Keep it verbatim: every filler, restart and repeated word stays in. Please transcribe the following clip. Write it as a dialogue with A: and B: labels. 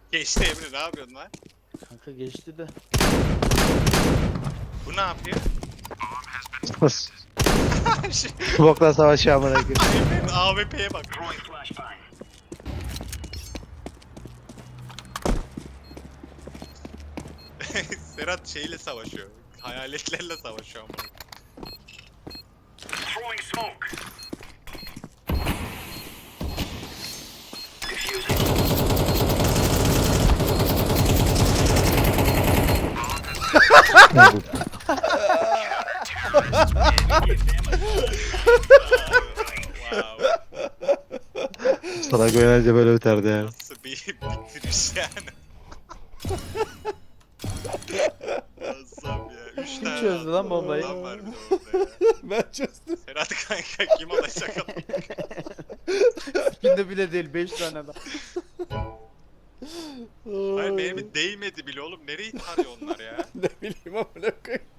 A: Geçti Emre, ne yapıyorsun lan?
B: Kanka geçti de.
A: Bu ne yapıyor?
C: Bokla savaşı amına koyayım.
A: Emre'nin A W P'ye bak. Serhat şeyle savaşıyor. Hayaletlerle savaşıyor ama.
D: Throwing smoke.
A: Wow.
C: Salak oynayınca böyle biterdi yani.
A: Nasıl bir bitiriş yani. Muazzam ya. Üç tane
B: çözdü
A: attı.
B: lan bombayı?
A: Adam var bir de orada ya.
E: Ben çözdüm.
A: Serhat kanka kim olacak ama.
B: Skinde bile değil beş tane adam.
A: Hayır benim değmedi bile oğlum. Nereyi tarıyor onlar ya?
E: Ne bileyim amına koyayım.